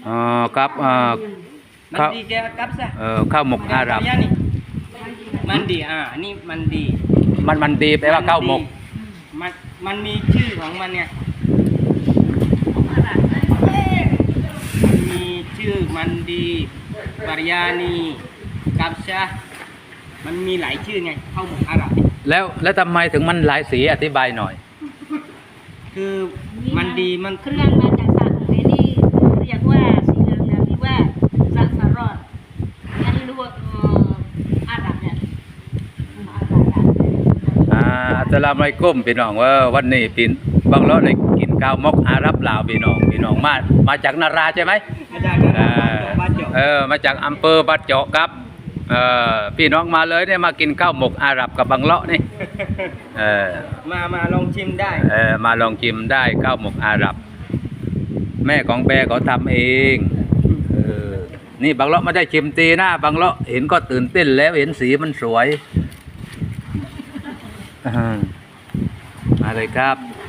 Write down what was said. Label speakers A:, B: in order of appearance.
A: ครับ
B: มันดีแกกับซะ
A: ข้าวหมกอาหรับ
B: มันดีอันนี้มันดี
A: มันดีแปลว่าข้าวหมก
B: มันมีชื่อของมันเนี่ยมีชื่อมันดีบาริยานีกับซะมันมีหลายชื่อไงข้าวหมกอาหรับ
A: แล้วทำไมถึงมันหลายสีอธิบายหน่อย
B: คือมันดีมัน
C: เครื่องมาจากสัตว์นี่เรียกว่าสีเหลืองๆนี่ว่าซักฟารอดอันนี้รู้ว่าอาหรับเนี่ย
A: อัสสลามุอะลัยกุมพี่น้องว่าวันนี้ปีนบางเลาะได้กินข้าวหมกอาหรับลาวพี่น้องมาจากนาราใช่ไหม
B: มาจากบ้านเจาะ
A: มาจากอำเภอบ้านเจาะครับพี่น้องมาเลยเนี่ยมากินข้าวหมกอาหรับกับบางเลาะนี่
B: มาลองชิมได้
A: มาลองชิมได้ข้าวหมกอาหรับแม่ของแบร์เขาทำเองนี่บางเลาะไม่ได้ชิมตีนะบางเลาะเห็นก็ตื่นเต้นแล้วเห็นสีมันสวยมาเลยครับ